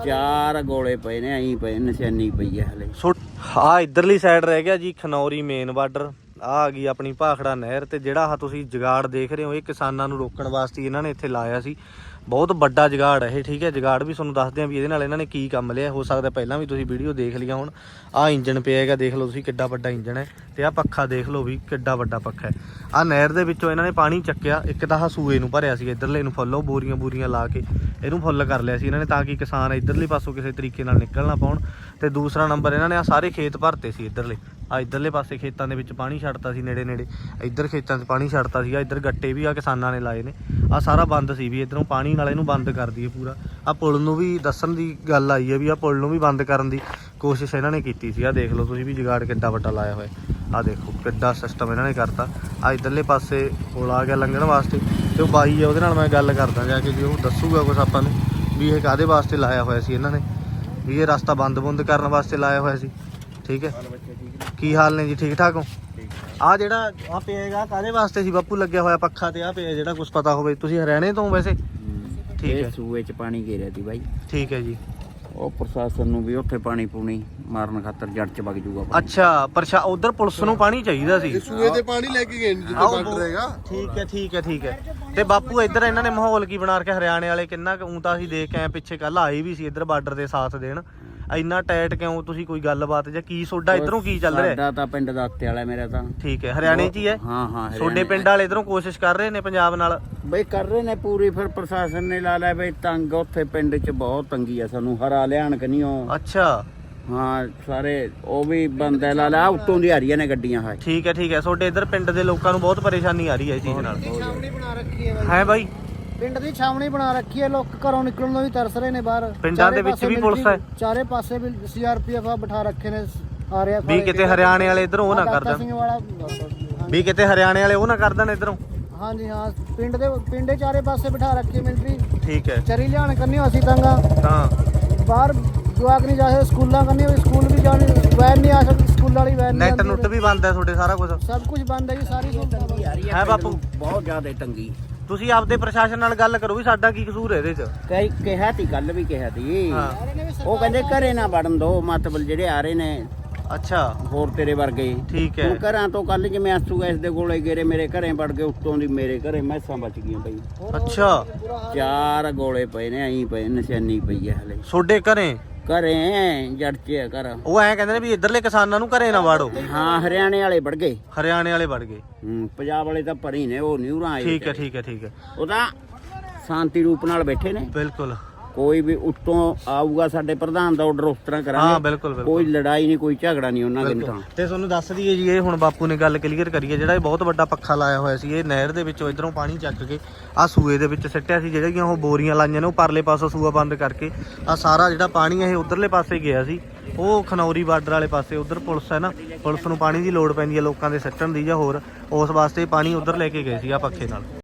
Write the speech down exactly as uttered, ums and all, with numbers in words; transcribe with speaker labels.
Speaker 1: ਚਾਰ ਗੋਲੇ ਪਏ ਨੇ ਐਂ ਪਏ ਨਿਸ਼ਾਨੀ ਪਈ ਹੈ ਹਲੇ।
Speaker 2: ਆ ਇਧਰਲੀ ਸਾਈਡ ਰਹਿ ਗਿਆ ਜੀ ਖਨੌਰੀ ਮੇਨ ਬਾਰਡਰ। ਆ ਆ ਗਈ ਆਪਣੀ ਭਾਖੜਾ ਨਹਿਰ ਤੇ ਜਿਹੜਾ ਆ ਤੁਸੀਂ ਜਗਾੜ ਦੇਖ ਰਹੇ ਹੋ ਇਹ ਕਿਸਾਨਾਂ ਨੂੰ ਰੋਕਣ ਵਾਸਤੇ ਇਹਨਾਂ ਨੇ ਇੱਥੇ ਲਾਇਆ ਸੀ। ਬਹੁਤ ਵੱਡਾ ਜਗਾੜ ਹੈ ਇਹ, ਠੀਕ ਹੈ। ਜਗਾੜ ਵੀ ਤੁਹਾਨੂੰ ਦੱਸਦੇ ਆ ਵੀ ਇਹਦੇ ਨਾਲ ਇਹਨਾਂ ਨੇ ਕੀ ਕੰਮ ਲਿਆ। ਹੋ ਸਕਦਾ ਪਹਿਲਾਂ ਵੀ ਤੁਸੀਂ ਵੀਡੀਓ ਦੇਖ ਲਿਆ ਹੁਣ। ਆਹ ਇੰਜਣ ਪਿਆ ਹੈਗਾ, ਦੇਖ ਲਓ ਤੁਸੀਂ ਕਿੱਡਾ ਵੱਡਾ ਇੰਜਣ ਹੈ। ਤੇ ਆਹ ਪੱਖਾ ਦੇਖ ਲਓ ਵੀ ਕਿੱਡਾ ਵੱਡਾ ਪੱਖਾ ਹੈ। ਆਹ ਨਹਿਰ ਦੇ ਵਿੱਚੋਂ ਇਹਨਾਂ ਨੇ ਪਾਣੀ ਚੱਕਿਆ। ਇੱਕ ਤਾਂ ਆਹ ਸੂਏ ਨੂੰ ਭਰਿਆ ਸੀ, ਇੱਧਰਲੇ ਨੂੰ ਫੁੱਲ ਉਹ ਬੋਰੀਆਂ ਬੋਰੀਆਂ ਲਾ ਕੇ ਇਹਨੂੰ ਫੁੱਲ ਕਰ ਲਿਆ ਸੀ ਇਹਨਾਂ ਨੇ, ਤਾਂ ਕਿ ਕਿਸਾਨ ਇੱਧਰਲੇ ਪਾਸੋਂ ਕਿਸੇ ਤਰੀਕੇ ਨਾਲ ਨਿਕਲ ਨਾ ਪਾਉਣ। ਤੇ ਦੂਸਰਾ ਨੰਬਰ ਇਹਨਾਂ ਨੇ ਆਹ ਸਾਰੇ ਖੇਤ ਭਰਤੇ ਸੀ ਇੱਧਰਲੇ। ਆ ਇੱਧਰਲੇ ਪਾਸੇ ਖੇਤਾਂ ਦੇ ਵਿੱਚ ਪਾਣੀ ਛੱਡਤਾ ਸੀ ਨੇੜੇ ਨੇੜੇ, ਇੱਧਰ ਖੇਤਾਂ 'ਚ ਪਾਣੀ ਛੱਡਤਾ ਸੀਗਾ। ਇੱਧਰ ਗੱਟੇ ਵੀ ਆ ਕਿਸਾਨਾਂ ਨੇ ਲਾਏ ਨੇ। ਆਹ ਸਾਰਾ ਬੰਦ ਸੀ ਵੀ ਇੱਧਰੋਂ ਪਾਣੀ ਨਾਲ ਇਹਨੂੰ ਬੰਦ ਕਰ ਦਈਏ ਪੂਰਾ। ਆਹ ਪੁਲ ਨੂੰ ਵੀ ਦੱਸਣ ਦੀ ਗੱਲ ਆਈ ਹੈ ਵੀ ਆਹ ਪੁਲ ਨੂੰ ਵੀ ਬੰਦ ਕਰਨ ਦੀ ਕੋਸ਼ਿਸ਼ ਇਹਨਾਂ ਨੇ ਕੀਤੀ ਸੀ। ਆਹ ਦੇਖ ਲਓ ਤੁਸੀਂ ਵੀ ਜਗਾੜ ਕਿੱਡਾ ਵੱਡਾ ਲਾਇਆ ਹੋਇਆ। ਆਹ ਦੇਖੋ ਕਿੱਡਾ ਸਿਸਟਮ ਇਹਨਾਂ ਨੇ ਕਰਤਾ। ਆਹ ਇੱਧਰਲੇ ਪਾਸੇ ਪੁਲ ਆ ਗਿਆ ਲੰਘਣ ਵਾਸਤੇ। ਤੇ ਉਹ ਬਾਈ ਆ ਉਹਦੇ ਨਾਲ ਮੈਂ ਗੱਲ ਕਰਦਾ ਜਾ ਕੇ, ਜੀ ਉਹ ਦੱਸੂਗਾ ਕੁਛ ਆਪਾਂ ਨੂੰ ਵੀ ਇਹ ਕਾਹਦੇ ਵਾਸਤੇ ਲਾਇਆ ਹੋਇਆ ਸੀ ਇਹਨਾਂ ਨੇ, ਵੀ ਇਹ ਰਸਤਾ ਬੰਦ ਬੁੰਦ ਕਰਨ ਵਾਸਤੇ ਲਾਇਆ ਹੋਇਆ ਸੀ। ਠੀਕ ਹੈ, ਕੀ ਹਾਲ ਨੇ ਜੀ, ਠੀਕ ਠਾਕ ਹੋ? ਆ ਜਿਹੜਾ ਆ ਪਿਆ ਹੈਗਾ ਕਾਹਦੇ ਵਾਸਤੇ ਸੀ ਬਾਪੂ ਲੱਗਿਆ ਹੋਇਆ ਪੱਖਾ? ਤੇ ਆ ਪਿਆ ਜਿਹੜਾ ਕੁਝ ਪਤਾ ਹੋਵੇ, ਤੁਸੀਂ ਹਰਿਆਣੇ ਤੋਂ ਵੈਸੇ? ਠੀਕ ਹੈ,
Speaker 1: ਸੂਏ ਚ ਪਾਣੀ ਘੇਰਿਆ ਸੀ ਬਾਈ।
Speaker 2: ਠੀਕ ਹੈ ਜੀ।
Speaker 1: ਉਹ ਪ੍ਰਸ਼ਾਸਨ ਨੂੰ ਵੀ ਉੱਥੇ ਪਾਣੀ ਪੂਣੀ ਮਾਰਨ ਖਾਤਰ ਜੜ ਚ ਵਗ ਜੂਗਾ।
Speaker 2: ਅੱਛਾ, ਪ੍ਰਸ਼ਾ ਉਧਰ ਪੁਲਿਸ ਨੂੰ ਪਾਣੀ ਚਾਹੀਦਾ ਸੀ,
Speaker 3: ਸੂਏ ਤੇ ਪਾਣੀ ਲੈ ਕੇ ਗਏ ਜਿੱਥੇ ਬਾਰਡਰ ਹੈਗਾ।
Speaker 2: ਠੀਕ ਹੈ ਠੀਕ ਹੈ ਠੀਕ ਹੈ। ਤੇ ਬਾਪੂ ਇੱਧਰ ਇਹਨਾਂ ਨੇ ਮਾਹੌਲ ਕੀ ਬਣਾ ਰੱਖਿਆ ਹਰਿਆਣੇ ਵਾਲੇ? ਕਿੰਨਾ ਕੁ ਊਂ ਤਾਂ ਅਸੀਂ ਦੇਖ ਕੇ ਆਏ ਪਿੱਛੇ, ਕੱਲ ਆਏ ਵੀ ਸੀ ਇੱਧਰ ਬਾਰਡਰ ਦੇ ਸਾਥ ਦੇਣ। ਇੰਨਾ ਟਾਈਟ ਕਿਉਂ? ਤੁਸੀਂ ਕੋਈ ਗੱਲਬਾਤ ਜਾਂ ਕੀ ਸੋਡਾ ਇਧਰੋਂ ਕੀ ਚੱਲ ਰਿਹਾ?
Speaker 1: ਸਾਡਾ ਤਾਂ ਪਿੰਡ ਦਾ ਉੱਤੇ ਵਾਲਾ ਮੇਰਾ ਤਾਂ।
Speaker 2: ਠੀਕ ਹੈ, ਹਰਿਆਣੇ 'ਚ ਹੀ ਹੈ।
Speaker 1: ਹਾਂ ਹਾਂ,
Speaker 2: ਤੁਹਾਡੇ ਪਿੰਡ ਵਾਲੇ ਇਧਰੋਂ ਕੋਸ਼ਿਸ਼ ਕਰ ਰਹੇ ਨੇ ਪੰਜਾਬ ਨਾਲ
Speaker 1: ਬਈ ਕਰ ਰਹੇ ਨੇ ਪੂਰੀ। ਫਿਰ ਪ੍ਰਸ਼ਾਸਨ ਨੇ ਲਾ ਲਿਆ ਬਈ ਤੰਗ। ਉੱਥੇ ਪਿੰਡ 'ਚ ਬਹੁਤ ਤੰਗੀ ਆ, ਸਾਨੂੰ ਹਰਾ ਲਿਆਣ ਕਿ ਨਹੀਂ ਉਹ।
Speaker 2: ਅੱਛਾ
Speaker 1: ਹਾਂ, ਸਾਰੇ ਉਹ ਵੀ ਬੰਦੇ ਲਾ ਲਿਆ, ਉੱਤੋਂ ਦੀ ਆ ਰਹੀਆਂ ਨੇ ਗੱਡੀਆਂ। ਹੈ
Speaker 2: ਠੀਕ ਹੈ ਠੀਕ ਹੈ। ਤੁਹਾਡੇ ਇੱਧਰ ਪਿੰਡ ਦੇ ਲੋਕਾਂ ਨੂੰ ਬਹੁਤ ਪਰੇਸ਼ਾਨੀ ਆ ਰਹੀ ਹੈ ਇਸ ਚੀਜ਼ ਨਾਲ।
Speaker 4: ਛਾਵਣੀ ਬਣਾ ਰੱਖੀ ਹੈ
Speaker 2: ਹੈ ਬਾਈ,
Speaker 4: ਪਿੰਡ ਦੀ ਛਾਵਣੀ ਬਣਾ ਰੱਖੀ ਹੈ। ਲੋਕ ਘਰੋਂ ਨਿਕਲਣ ਨੂੰ ਵੀ ਤਰਸ ਰਹੇ ਨੇ ਬਾਹਰ।
Speaker 2: ਪਿੰਡਾਂ ਦੇ ਵਿੱਚ ਵੀ ਪੁਲਿਸ ਹੈ,
Speaker 4: ਚਾਰੇ ਪਾਸੇ ਵੀ ਸੀ ਆਰ ਪੀ ਐਫ ਬਿਠਾ ਰੱਖੇ ਨੇ। ਆ ਰਿਹਾ
Speaker 2: ਵੀ ਕਿਤੇ ਹਰਿਆਣੇ ਵਾਲੇ ਇਧਰੋਂ ਉਹ ਨਾ ਕਰ ਦੇਣ,
Speaker 4: ਸਿੰਘ ਵਾਲਾ
Speaker 2: ਵੀ ਕਿਤੇ ਹਰਿਆਣੇ ਵਾਲੇ ਉਹ ਨਾ ਕਰ ਦੇਣ ਇਧਰੋਂ।
Speaker 4: ਹਾਂਜੀ ਹਾਂ, ਪਿੰਡ ਦੇ ਪਿੰਡੇ ਚਾਰੇ ਪਾਸੇ ਬਿਠਾ ਰੱਖੀ ਮਿਲਟਰੀ।
Speaker 2: ਠੀਕ ਹੈ,
Speaker 4: ਚਰੀ ਲਿਆਣ ਕਰਨੀ ਅਸੀਂ ਤੰਗਾ
Speaker 2: ਹਾਂ
Speaker 4: ਬਾਹਰ ਜਵਾਕ ਨਹੀਂ ਜਾ ਸਕਦੇ, ਸਕੂਲਾਂ ਕਰਨੀ ਸਕੂਲ ਵੀ ਜਾਣੀ, ਵੈਨ ਨਹੀਂ ਆ ਸਕਦੀ, ਸਕੂਲ ਵਾਲੀ ਵੈਨ
Speaker 2: ਨੈਟ ਨੁੱਟ ਵੀ ਬੰਦ ਹੈ ਤੁਹਾਡੇ, ਸਾਰਾ ਕੁਝ
Speaker 4: ਸਭ ਕੁਝ ਬੰਦ ਹੈ ਜੀ। ਸਾਰੀ ਸੁਵਿਧਾ
Speaker 1: ਆ ਰਹੀ
Speaker 2: ਹੈ ਬਾਪੂ।
Speaker 1: ਬਹੁਤ ਜ਼ਿਆਦਾ ਤੰਗੀ।
Speaker 2: ਤੁਸੀਂ ਆਪਦੇ ਪ੍ਰਸ਼ਾਸਨ ਨਾਲ ਗੱਲ ਕਰੋ ਵੀ ਸਾਡਾ ਕੀ ਕਸੂਰ ਹੈ ਇਹਦੇ 'ਚ।
Speaker 1: ਕਈ ਕਿਹਾ ਤੀ, ਗੱਲ ਵੀ ਕਿਹਾ ਤੀ।
Speaker 2: ਹਾਂ,
Speaker 1: ਉਹ ਕਹਿੰਦੇ ਘਰੇ ਨਾ ਵੜਨ ਦੋ, ਮਤਲਬ ਜਿਹੜੇ ਆ ਰਹੇ ਨੇ
Speaker 2: ਅੱਛਾ
Speaker 1: ਹੋਰ ਤੇਰੇ ਵਰਗੇ।
Speaker 2: ਠੀਕ ਹੈ।
Speaker 1: ਹੁਣ ਘਰਾਂ ਤੋਂ ਕੱਲ ਜਿਵੇਂ ਆਸੂ ਗੈਸ ਦੇ ਗੋਲੇ ਗੇਰੇ ਮੇਰੇ ਘਰੇ ਵੜ ਗਏ, ਉੱਤੋਂ ਦੀ ਮੇਰੇ ਘਰੇ ਮੈਸਾਂ ਬਚ ਗਈਆਂ ਬਈ।
Speaker 2: ਅੱਛਾ,
Speaker 1: ਚਾਰ ਗੋਲੇ ਪਏ ਨੇ ਐਂ ਪਏ ਨਿਸ਼ਾਨੀ ਪਈ ਹੈ ਹਲੇ।
Speaker 2: ਤੁਹਾਡੇ ਘਰੇ
Speaker 1: ਘਰੇ ਜੜ ਚ ਆ ਘਰ।
Speaker 2: ਉਹ ਐਂ ਕਹਿੰਦੇ ਨੇ ਵੀ ਇੱਧਰਲੇ ਕਿਸਾਨਾਂ ਨੂੰ ਘਰੇ ਨਾ ਵਾੜੋ।
Speaker 1: ਹਾਂ, ਹਰਿਆਣੇ ਵਾਲੇ ਵੜ ਗਏ,
Speaker 2: ਹਰਿਆਣੇ ਵਾਲੇ ਵੜ ਗਏ।
Speaker 1: ਹੂੰ, ਪੰਜਾਬ ਵਾਲੇ ਤਾਂ ਭਰੀ ਨੇ, ਉਹ ਨਿਊਰਾਂ ਆਏ।
Speaker 2: ਠੀਕ ਹੈ ਠੀਕ ਹੈ ਠੀਕ ਹੈ,
Speaker 1: ਉਹ ਤਾਂ ਸ਼ਾਂਤੀ ਰੂਪ ਨਾਲ ਬੈਠੇ ਨੇ।
Speaker 2: ਬਿਲਕੁਲ।
Speaker 1: ਕੋਈ ਵੀ ਉੱਤੋਂ ਆਊਗਾ ਸਾਡੇ ਪ੍ਰਧਾਨ ਦਾ ਆਰਡਰ ਉਸ ਤਰ੍ਹਾਂ
Speaker 2: ਹਾਂ
Speaker 1: ਕਰਾਂਗੇ।
Speaker 2: ਬਿਲਕੁਲ ਬਿਲਕੁਲ।
Speaker 1: ਕੋਈ ਲੜਾਈ ਨਹੀਂ, ਕੋਈ ਝਗੜਾ ਨਹੀਂ ਉਹਨਾਂ ਦੇ ਤਾਂ।
Speaker 2: ਤੇ ਤੁਹਾਨੂੰ ਦੱਸ ਦਈਏ ਜੀ, ਇਹ ਹੁਣ ਬਾਪੂ ਨੇ ਗੱਲ ਕਲੀਅਰ ਕਰੀਏ, ਜਿਹੜਾ ਇਹ ਬਹੁਤ ਵੱਡਾ ਪੱਖਾ ਲਾਇਆ ਹੋਇਆ ਸੀ ਇਹ ਨਹਿਰ ਦੇ ਵਿੱਚੋਂ ਇਧਰੋਂ ਪਾਣੀ ਚੱਕ ਕੇ ਆਹ ਸੂਏ ਦੇ ਵਿੱਚ ਸਿੱਟਿਆ ਸੀ। ਜਿਹੜੀਆਂ ਉਹ ਬੋਰੀਆਂ ਲਾਈਆਂ ਨੇ ਉਹ ਪਰਲੇ ਪਾਸੋਂ ਸੂਆ ਬੰਦ ਕਰਕੇ ਆਹ ਸਾਰਾ ਜਿਹੜਾ ਪਾਣੀ ਇਹ ਉਧਰਲੇ ਪਾਸੇ ਗਿਆ ਸੀ। ਉਹ ਖਨੌਰੀ ਬਾਰਡਰ ਵਾਲੇ ਪਾਸੇ ਉਧਰ ਪੁਲਿਸ ਹੈ ਨਾ, ਪੁਲਿਸ ਨੂੰ ਪਾਣੀ ਦੀ ਲੋੜ ਪੈਂਦੀ ਹੈ ਲੋਕਾਂ ਦੇ ਸਿੱਟਣ ਦੀ ਜਾਂ ਹੋਰ, ਉਸ ਵਾਸਤੇ ਪਾਣੀ ਉਧਰ ਲੈ ਕੇ ਗਏ ਸੀ ਆ ਪੱਖੇ ਨਾਲ।